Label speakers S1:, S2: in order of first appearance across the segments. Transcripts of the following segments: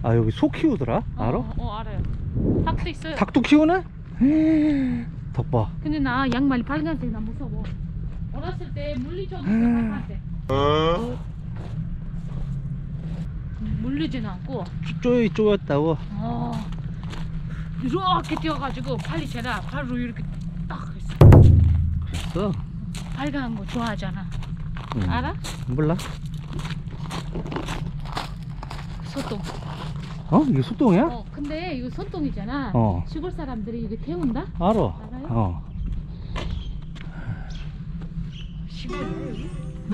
S1: 아 여기 소 키우더라? 알아?
S2: 알아요. 닭도 있어요.
S1: 닭도 키우네? 덕봐.
S2: 근데 나 양말이 빨간색 나 무서워. 어렸을 때 물리적으로 빨간색. 물리진 않고.
S1: 쪼였다고.
S2: 이렇게 뛰어가지고 빨리 제가 바로 이렇게 딱 했어.
S1: 그랬어?
S2: 빨간 거 좋아하잖아. 알아?
S1: 몰라.
S2: 소똥.
S1: 이게 소똥이야?
S2: 근데 이거 소똥이잖아. 시골 사람들이 이렇게 태운다?
S1: 알아.
S2: 알아요? 시골이에요 여기?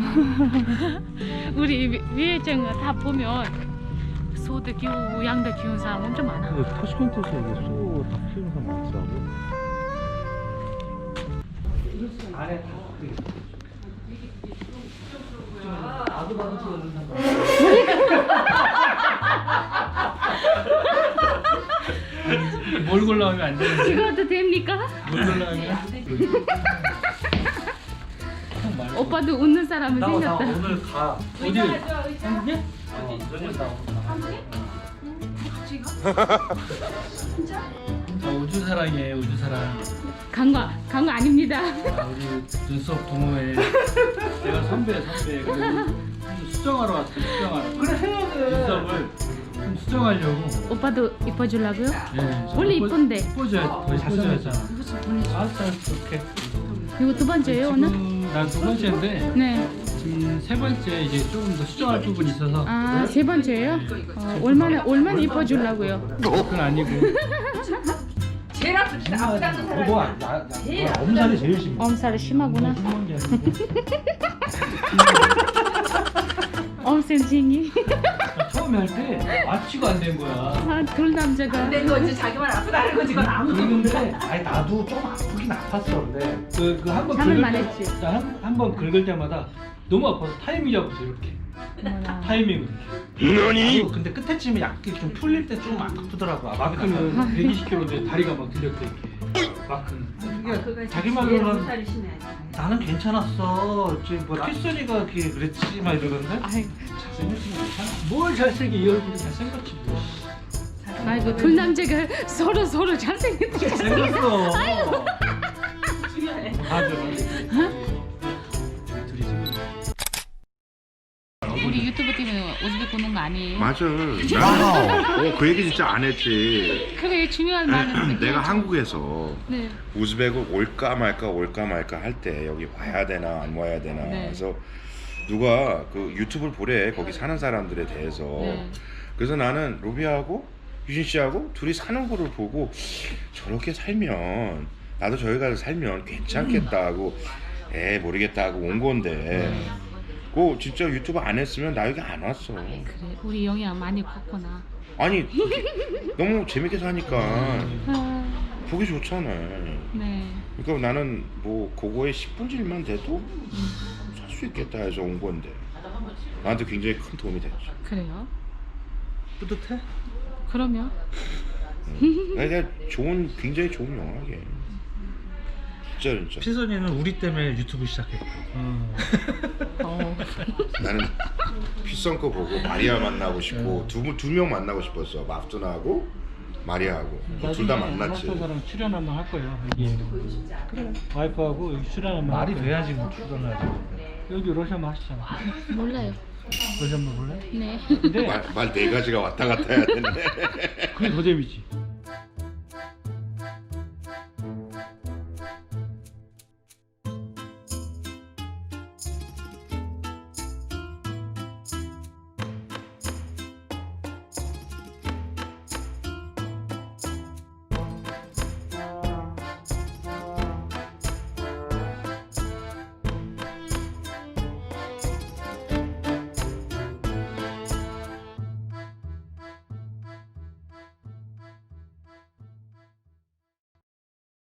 S2: 우리 위에장 다 보면 소도 키우고 양도 키우는 사람 엄청 많아.
S1: 타시켄트에서 이게 소닭 키우는 사람 많더라고. 안에
S3: 뭘 골라오면 안 되는데.
S2: 이것도 됩니까?
S3: 뭘 골라오면?
S2: 오빠도 웃는 사람은 생겼다.
S3: 오늘 가. 어디? 한국에? 너네 나 오늘 가. 우주 사랑이에요, 우주 사랑.
S2: 강거 아닙니다.
S3: 우리 눈썹 동호회. 내가 선배. 그리고 수정하러 왔어, 수정하러. 그래 해야 돼. 눈썹을 좀 수정하려고.
S2: 오빠도 이뻐주려고요?
S3: 네.
S2: 원래 이쁜데.
S3: 이뻐져야 더 이뻐져야잖아. 알았어, 오케이.
S2: 이거 두 번째예요 오늘?
S3: 난 두 번째인데.
S2: 네.
S3: 지금 세 번째 이제 조금 더 수정할 부분이 있어서.
S2: 아, 세 번째예요? 얼마나 이뻐주려고요?
S3: 그건 아니고.
S4: 제일 아프다는 사람.
S1: 엄살이 제일 심해.
S2: 엄살이 심하구나.
S3: 심한 게 아니고.
S2: 엄센징이.
S3: 처음에 할 때 마취가 안 된 거야.
S2: 아, 둘 남자가.
S4: 내 거지 자기만 아프다는 거지 그건 아무도
S3: 그런데
S1: 아니 나도 좀 아프긴 아팠어 근데.
S3: 그한번
S2: 참을만 했지.
S3: 한번 긁을 때마다 너무 아파서 타이밍 잡았어 이렇게.
S2: 어머나.
S3: 타이밍으로.
S1: 아니 근데 끝에쯤에 약간 좀 풀릴 때 좀 아프더라고. 마비
S3: 그러면
S1: 가면.
S3: 120kg인데 다리가 막 들렸대 이렇게. 마크는.
S4: 그거
S3: 자기 말로는
S4: 살이 심해.
S1: 나는 괜찮았어. 지금 뭐 키스니가 그랬지 막 이러던데.
S2: 아이,
S1: 잘생겼으면 괜찮아.
S3: 뭘 잘생겨 이 얼굴이 잘생겼지 뭐.
S2: 아이고 둘 남자가 서로 잘생겼다.
S1: 생겼어.
S4: 중요해.
S3: 맞아. 둘이 지금.
S2: 우리 유튜브 때문에 오즈벡 보는 거 아니에요?
S5: 맞아. 나, 그 얘기 진짜 안 했지.
S2: 그래 중요한 말은
S5: 내가 한국에서
S2: 네.
S5: 우즈벡을 올까 말까 할 때 여기 와야 되나 안 와야 되나.
S2: 네.
S5: 그래서 누가 그 유튜브를 보래 거기 사는 사람들에 대해서.
S2: 네.
S5: 그래서 나는 로비하고 유진 씨하고 둘이 사는 거를 보고 저렇게 살면 나도 저기 가서 살면 괜찮겠다 하고 모르겠다 하고 온 건데. 그 진짜 유튜브 안 했으면 나 여기 안 왔어.
S2: 그래 우리 영향 많이 컸구나.
S5: 아니 너무 재밌게 사니까
S2: 아,
S5: 보기 좋잖아.
S2: 네.
S5: 그러니까 나는 뭐 그거에 10분질만 돼도 살 수 있겠다 해서 온 건데 나한테 굉장히 큰 도움이 됐죠.
S2: 그래요?
S1: 뿌듯해?
S2: 그러면
S5: 그러니까 굉장히 좋은 영화게. 진짜.
S1: 피선이는 우리 때문에 유튜브 시작했고.
S5: 나는 피선 거 보고 마리아 만나고 싶고 두 명 만나고 싶었어. 마프토나하고 마리아하고 둘 다 만났지.
S3: 사람 출연 한번 할 거예요. 여기. 그래. 와이프하고 여기 출연 한번.
S1: 말이
S3: 할 거예요.
S1: 돼야지 뭐 출연하지.
S3: 여기 러시아만 하시잖아.
S2: 몰라요.
S3: 러시아만 볼래?
S2: 네.
S3: 근데
S5: 말 네 가지가 왔다 갔다 해야 되는데.
S3: 그게 더 재밌지.